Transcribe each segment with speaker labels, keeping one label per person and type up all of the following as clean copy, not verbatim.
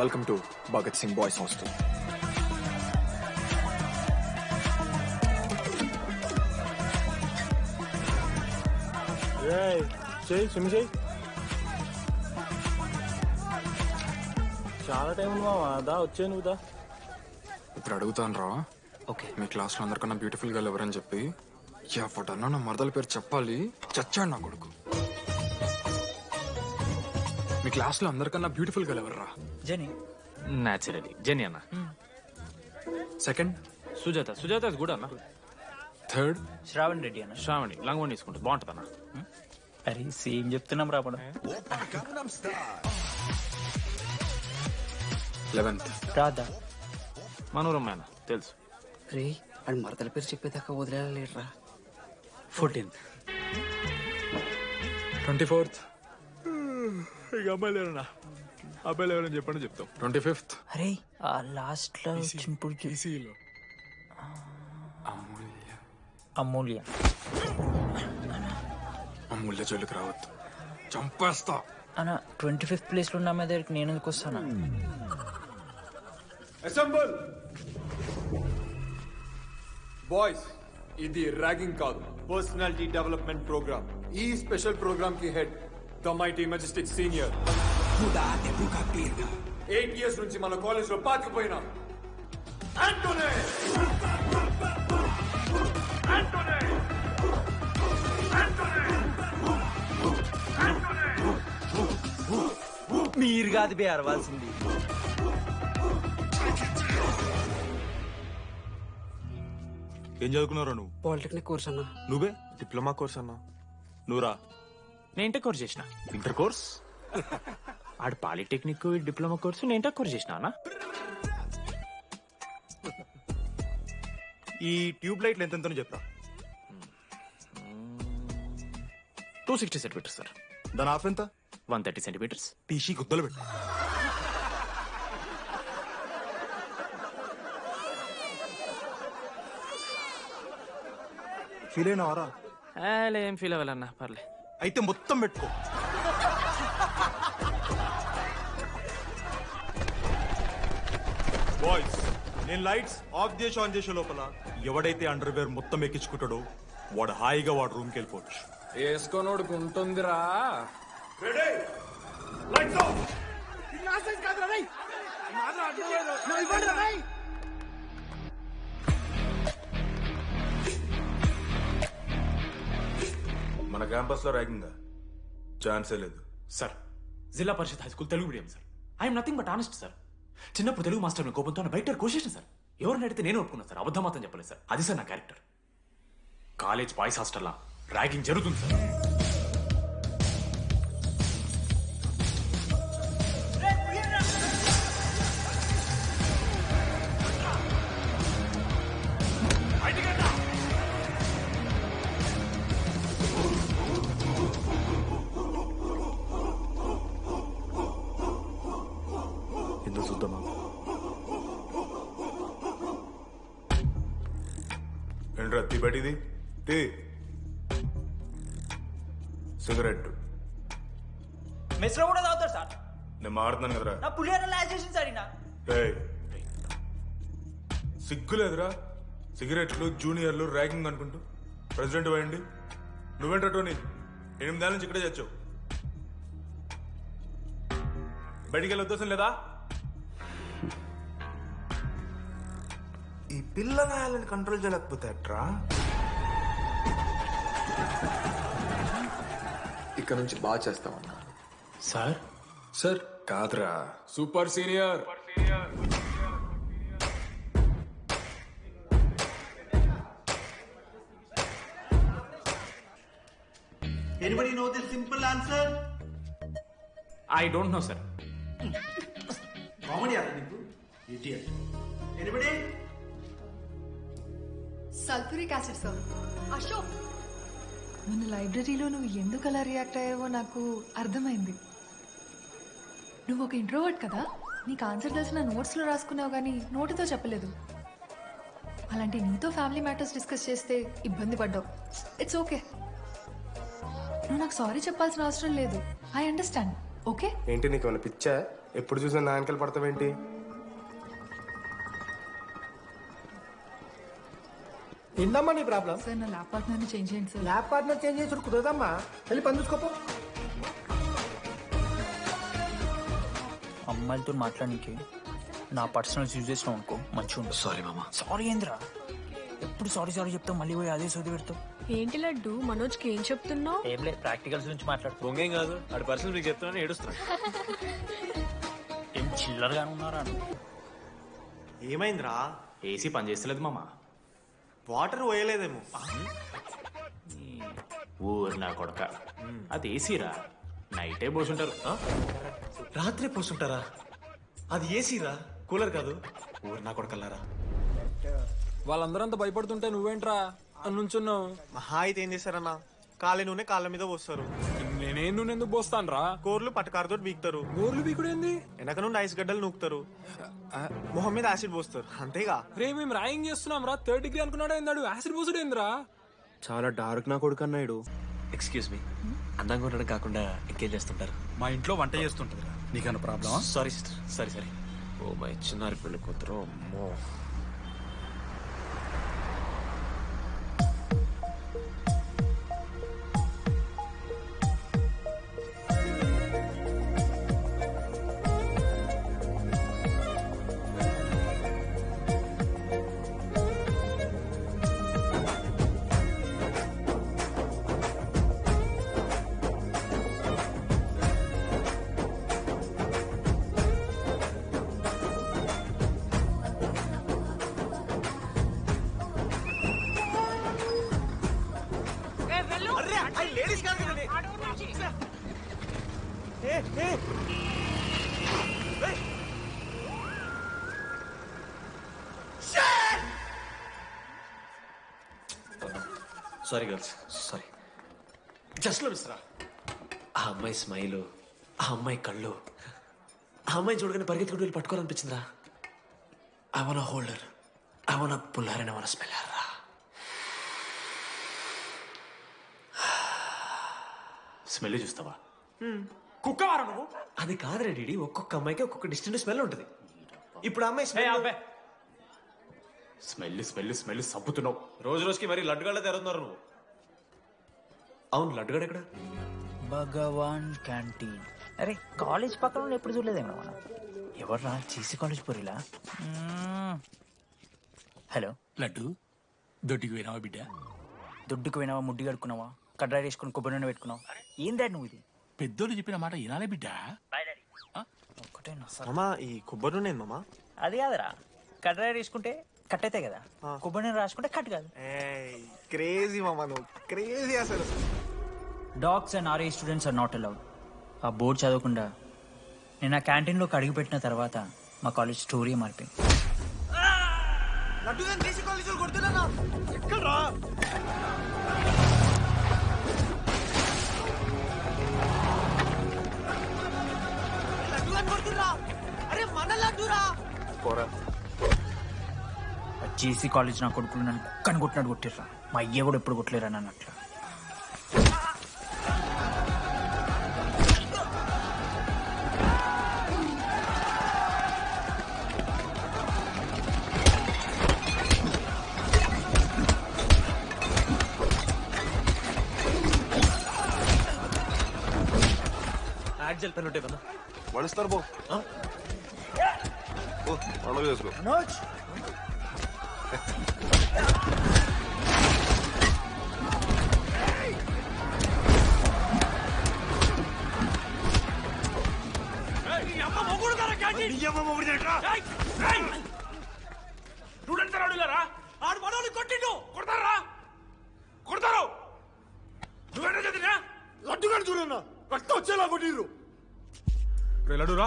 Speaker 1: Welcome to Bhagat Singh boys hostel.
Speaker 2: చాలా time ఉంది మామా, దా వచ్చే నువ్వు దా.
Speaker 1: ఇప్పుడు అడుగుతాను రా.
Speaker 3: ఓకే.
Speaker 1: మీ క్లాస్ లో అందరికన్నా బ్యూటిఫుల్ గర్ల్ ఎవరని చెప్పి ఎవడన్నా నా మరదల పేరు చెప్పాలి. చచ్చాడు నా కొడుకు. మీ క్లాస్ లో అందరికన్నా బ్యూటిఫుల్ గర్ల్ ఎవర్రా?
Speaker 3: జెనీ.
Speaker 4: న్యాచురలీ జెనీ అన్న.
Speaker 1: Second
Speaker 4: Sujatha. Sujatha is good అన్న.
Speaker 1: థర్డ్
Speaker 3: శ్రావణ్ రెడ్డి అన్న.
Speaker 4: శ్రావణి లంగోని తీసుకుంటుంది, బాగుంటుంది అన్న.
Speaker 3: అరే సేమ్ చెప్తున్నాం రాపడం.
Speaker 1: 11th
Speaker 3: రాధా.
Speaker 4: మనోరమ్మ అన్న తెలుసు.
Speaker 5: రే అని మరదల పేరు చెప్పేదాకా వదిలేరా.
Speaker 3: 14th.
Speaker 1: 24th
Speaker 4: ఇక అమ్మాయిలు ఎవరన్నా, అబ్బాయిలు ఎవరని చెప్పండి చెప్తాం.
Speaker 1: 25th
Speaker 3: అరే ఆ లాస్ట్ లో చింపుడు
Speaker 1: అమూల్య.
Speaker 3: అమూల్య.
Speaker 1: అమూల్య జోలికి రావద్దు, చంపేస్తా.
Speaker 3: అన్న 25th ప్లేస్ లో ఉన్న అమ్మాయి దగ్గరికి నేను ఎందుకు వస్తానా?
Speaker 1: అసెంబుల్ బాయ్స్, ఇది ర్యాగింగ్ కాదు, పర్సనాలిటీ డెవలప్మెంట్ ప్రోగ్రామ్. ఈ స్పెషల్ ప్రోగ్రామ్ కి head the mighty majestic senior. 8 years నుంచి మన కాలేజ్ లో పాతిపోయినా ఆంటోనీ.
Speaker 3: మీరు కాదు బే అరవాల్సింది.
Speaker 2: ఏం చదువుకున్నారా నువ్వు?
Speaker 5: పాలిటెక్నిక్ కోర్స్ అన్నా.
Speaker 2: నువ్వే? డిప్లొమా కోర్స్ అన్నా. నువ్వురా?
Speaker 4: నేను ఇంటర్ కోర్స్ చేసిన.
Speaker 2: Inter course?
Speaker 4: ఆడు పాలిటెక్నిక్ డిప్లొమా కోర్సు, నేను ఇంటర్ కోర్స్ చేసిన అన్న.
Speaker 2: ఈ ట్యూబ్ లైట్లు ఎంతెంతనో చెప్పరా.
Speaker 4: 260 సెంటీమీటర్స్ సార్.
Speaker 2: దాని హాఫ్ ఎంత?
Speaker 4: 130 సెంటీమీటర్స్.
Speaker 2: టీసీ గుద్దలు పెట్టు. ఫీల్ అయినావారా?
Speaker 4: ఏం ఫీల్ అవ్వాలన్నా, పర్లే.
Speaker 2: అయితే మొత్తం పెట్టుకో. బాయ్స్, నేను లైట్స్ ఆఫ్ చేసి ఆన్ చేసే లోపల ఎవడైతే అండర్వేర్ మొత్తం ఎక్కించుకుంటాడో వాడు హాయిగా వాడు రూమ్కి వెళ్ళిపోవచ్చు.
Speaker 1: వేసుకోనోడుకు ఉంటుందిరా.
Speaker 6: మన క్యాంపస్ లో ర్యాగింగ్ ఛాన్సే లేదు
Speaker 4: sir, Zilla Parishad high school Telugu medium sir. I'm nothing but honest sir. చిన్నప్పుడు తెలుగు మాస్టర్ కోపంతో బయట కోసేసిన సార్. ఎవరిని అడిగితే నేను ఒప్పుకున్నాను సార్, అబద్ధం మాత్రం చెప్పలేదు సార్. అది సార్ నా క్యారెక్టర్. కాలేజ్ బాయ్స్ హాస్టల్లా ర్యాగింగ్ జరుగుతుంది సార్.
Speaker 2: ఎందుకు చూద్దామా?
Speaker 6: ఏంట్రా తీ బయటిది తీ. సిగరెట్
Speaker 3: మెస్ లో కూడా తాగుతారు సార్.
Speaker 6: నేను మాడుతున్నాను కదరా.
Speaker 3: నా పులిహోర లాజ్ చేసింది సార్ ఈయన.
Speaker 6: ఏయ్, సిగ్గులేదురా? సిగరెట్లు జూనియర్లు ర్యాగింగ్ అనుకుంటూ ప్రెసిడెంట్ పోయండి. నువ్వేంట్రా టోనీ, 8 ఏళ్ళ నుంచి ఇక్కడే చచ్చావు. బయటికి వెళ్ళే ఉద్దేశం లేదా? ఈ పిల్లగాయలను కంట్రోల్ చేయలేకపోతే అట్రా.
Speaker 1: ఇక్కడ నుంచి బాగా చేస్తామన్నా.
Speaker 4: సార్
Speaker 1: సార్ కాదురా, super senior.
Speaker 7: Anybody know the simple answer?
Speaker 4: I don't know sir.
Speaker 7: Comedy aata niku? Idiot. Anybody?
Speaker 8: Sulphuric acid sir. Ashok, మన లైబ్రరీలో నువ్వు ఎందుకు అలా రియాక్ట్ అయ్యావో నాకు అర్థమైంది. నువ్వు ఒక ఇంట్రోవర్ట్ కదా, నీకు ఆన్సర్ తెలిసిన నోట్స్లో రాసుకున్నావు కానీ నోటితో చెప్పలేదు. అలాంటి నీతో ఫ్యామిలీ మ్యాటర్స్ డిస్కస్ చేస్తే ఇబ్బంది పడ్డావు. ఇట్స్ ఓకే, నువ్వు నాకు సారీ చెప్పాల్సిన అవసరం లేదు. I understand. ఓకే
Speaker 9: ఏంటి నీకు ఏమైనా పిచ్చా? ఎప్పుడు చూసినా నా వెనకాల పడతావేంటి?
Speaker 10: ఏందమ్మా నీ ప్రాబ్లం?
Speaker 8: సార్ నా ల్యాబ్ పార్ట్నర్ని చేంజ్ చేయండి సార్.
Speaker 10: ల్యాబ్ పార్ట్నర్ చేంజ్ చేసి కుదరదమ్మా. వెళ్ళి పని చూసుకోపో.
Speaker 3: అమ్మాయిలతో మాట్లాడడానికి నా పర్సనల్స్ యూజ్ చేసినావు అనుకో మంచిగా ఉంటుంది.
Speaker 5: సారీ మామా.
Speaker 3: సారీ ఏంద్రా, ఎప్పుడు సారీ సారీ చెప్తావు, మళ్ళీ పోయి అదే సోది పెడతావు.
Speaker 11: ఏంటి లడ్డు మనోజ్కి ఏం చెప్తున్నావు?
Speaker 3: ఏం లేదు, ప్రాక్టికల్స్ గురించి మాట్లాడుతూ.
Speaker 4: బొంగేం కాదు, ఆడి పర్సనల్ మీకు చెప్తున్నాను ఏడుస్తున్నాను.
Speaker 3: ఏం చిల్లరగానే ఉన్నారా?
Speaker 2: ఏమైందిరా?
Speaker 4: ఏసీ పని చేస్తలేదు మామ.
Speaker 2: వాటర్ పోయలేదేమో.
Speaker 4: ఊరు నా కొడక, అది ఏసీరా, నైటే పోసుంటారు.
Speaker 2: రాత్రి పోసుంటారా? అది ఏసీరా, కూలర్ కాదు. ఊరు నా కొడకల్లారా.
Speaker 1: వాళ్ళందరంతా భయపడుతుంటే నువ్వేంట్రా నుంచున్నావు?
Speaker 2: మహా అయితే ఏం చేస్తారన్నా, కాళ్ళ నూనె కాళ్ళ మీద పోస్తారు.
Speaker 1: నేనేం నువ్వు ఎందుకు పోస్తాను రా?
Speaker 2: కోర్లు పట్టకారుతో బీకుతారు.
Speaker 1: గోర్లు బీకుడేంది?
Speaker 2: వెనక నుండి ఐస్ గడ్డలు నూకుతారు. మొహం మీద యాసిడ్ పోస్తారు, అంతేగా.
Speaker 1: రే మేము ర్యాగింగ్ చేస్తున్నాం రా, 3rd డిగ్రీ అనుకున్నాడు ఏందాడు, యాసిడ్ పోసుడు ఏందిరా?
Speaker 9: చాలా డార్క్ నా కొడుకు అన్నాడు.
Speaker 5: ఎక్స్క్యూజ్ మీ, అందంగా ఉండడం కాకుండా ఎంకేజ్ చేస్తుంటారు.
Speaker 7: మా ఇంట్లో వంట చేస్తుంటుంది. నీకన్నా ప్రాబ్లమా?
Speaker 5: Sorry sister, sorry sorry. Oh my చిన్నారి పెళ్లి కూతురు, అమ్మో. Sorry girls, sorry. జస్ట్ లో మిస్రా, ఆ అమ్మాయి స్మైలు, ఆ అమ్మాయి కళ్ళు, ఆ అమ్మాయి చూడగానే పరిగెత్తుకుంటూ వెళ్ళి పట్టుకోవాలనిపించిందిరా. I want holder, I want puller and I want smell her రా.
Speaker 4: స్మెల్ చూస్తావా? కుక్కవారా నువ్వు?
Speaker 5: అది కాదురా డీడీ, ఒక్కొక్క అమ్మాయికి ఒక్కొక్క డిస్టెంట్ స్మెల్ ఉంటుంది. ఇప్పుడు ఆ అమ్మాయి
Speaker 4: స్మెల్ స్మెల్ స్మెల్ సబ్బుతున్నావు.
Speaker 5: రోజు రోజుకి మరి లడ్డుగాళ్ళ తెరుతున్నారు నువ్వు. అవును, లడ్డుగాడు ఎక్కడ?
Speaker 3: భగవాన్ క్యాంటీన్. అరే కాలేజ్ పక్కన ఎప్పుడు చూడలేదేమో మనం. ఎవర్రా చీసీ కాలేజ్ పోరిలా? హలో
Speaker 7: లడ్డు, దొడ్డికి పోయినావా బిడ్డ?
Speaker 3: దుడ్డుకు పోయినావా, ముడ్డి కడుక్కున్నావా, కడ్రాయి వేసుకుని కొబ్బరి నూనె పెట్టుకున్నావు? ఏం డాడ్ నువ్వు ఇది?
Speaker 7: పెద్దోళ్ళు చెప్పిన మాట వినాలే బిడ్డ.
Speaker 3: ఒక్కటేనా సార్?
Speaker 2: మామా, ఈ కొబ్బరి నూనె మామా?
Speaker 3: అది కాదురా, కడ్రాయి వేసుకుంటే కట్ అవుతాయి కదా, కొబ్బరి నూనె రాసుకుంటే కట్ కాదు.
Speaker 2: క్రేజీ మామా, నువ్వు క్రేజీ అసలు.
Speaker 3: Dogs and RA students are not allowed. ఆ బోర్డు చదవకుండా నేను ఆ క్యాంటీన్లోకి అడుగుపెట్టిన తర్వాత మా కాలేజ్ స్టోరీ మారిపోయింది. జేసీ కాలేజ్ నా కొడుకులు నన్ను కుక్కని కొట్టినట్టు కొట్టిర్రా. మా అయ్య కూడా ఎప్పుడు కొట్టలేరా నన్ను అట్లా.
Speaker 5: యాక్జల్ పెన్ ఉంటాయి కదా,
Speaker 9: వడుస్తారు బో. పండుగ చేసుకో.
Speaker 4: ఆడు మనోళ్ళు కొట్టిండు, కొడతారా? కొడతారు. నువ్వేనా చదివినా?
Speaker 1: లడ్డుగాడు చూడన్నా, రక్తం వచ్చేలా కొట్టిర్రు.
Speaker 6: లడ్డురా.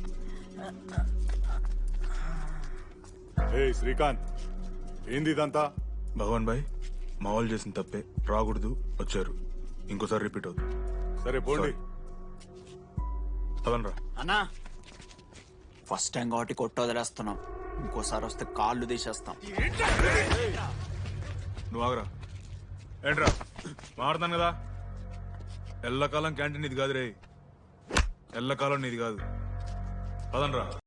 Speaker 12: ఏ శ్రీకాంత్, ఏంది ఇదంతా?
Speaker 6: భగవాన్ భాయ్, మా వాళ్ళు చేసిన తప్పే, రాకూడదు, వచ్చారు. ఇంకోసారి రిపీట్ అవుతుంది.
Speaker 12: సరే పోండి.
Speaker 6: పదనరా.
Speaker 5: అన్నా ఫస్ట్ టైం కాబట్టి కొట్టు వదిలేస్తున్నాం, ఇంకోసారి వస్తే కాళ్ళు తీసేస్తాం.
Speaker 6: నువ్వు ఆగరా. ఏంట్రా మారుతాను కదా. ఎల్లకాలం క్యాంటీన్ ఇది కాదు రే, ఎల్లకాలం నీది కాదు. పదండ్రా